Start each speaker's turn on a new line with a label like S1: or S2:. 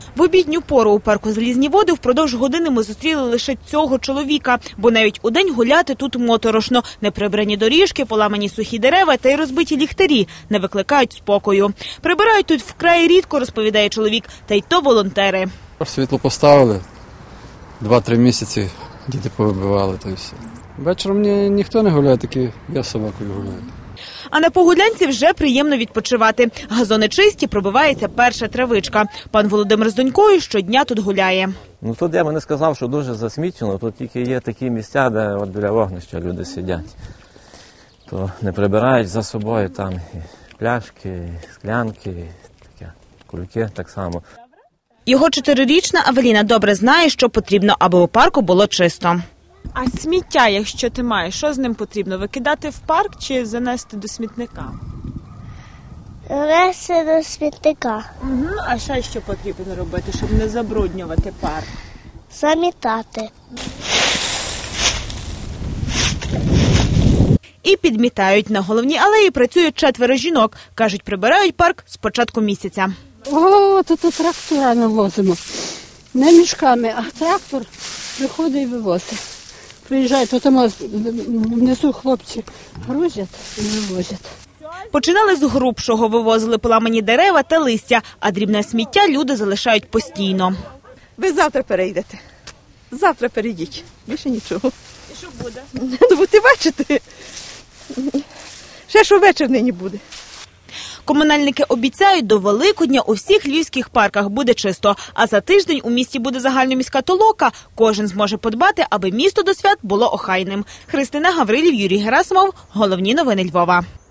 S1: В обідню пору у парку «Залізні води» впродовж години ми зустріли лише цього чоловіка, бо навіть удень гуляти тут моторошно. Неприбрані доріжки, поламані сухі дерева та й розбиті ліхтарі не викликають спокою. Прибирають тут вкрай рідко, розповідає чоловік, та й то волонтери.
S2: Світло поставили, 2-3 місяці діти повибивали, то й все. Вечором ніхто не гуляє, тільки я з собакою гуляю.
S1: А на Погулянці вже приємно відпочивати. Газони чисті, пробивається перша травичка. Пан Володимир з донькою щодня тут гуляє.
S3: Тут я би не сказав, що дуже засмічено, тут тільки є такі місця, де от біля вогнища люди сидять. То не прибирають за собою там і пляшки, і склянки, і таке, кульки так само.
S1: Його 4-річна Авеліна добре знає, що потрібно, аби у парку було чисто. А сміття, якщо ти маєш, що з ним потрібно? Викидати в парк чи занести до смітника?
S4: Занести до смітника.
S1: А ще що потрібно робити, щоб не забруднювати парк?
S4: Замітати.
S1: І підмітають. На головній алеї працюють 4 жінок. Кажуть, прибирають парк з початку місяця.
S5: Тут трактора навозимо. Не мішками, а трактор приходить і вивозить. Приїжджають, тому внизу хлопці грузять і вивозять.
S1: Починали з грубшого, вивозили поламані дерева та листя, а дрібне сміття люди залишають постійно.
S6: Ви завтра перейдете. Завтра перейдіть. Більше нічого.
S1: І що буде?
S6: Ну, будете бачити. Ще що вечір нині буде.
S1: Комунальники обіцяють, до Великодня у всіх львівських парках буде чисто, а за тиждень у місті буде загальноміська толока. Кожен зможе подбати, аби місто до свят було охайним. Христина Гаврилів, Юрій Герасимов. Головні новини Львова.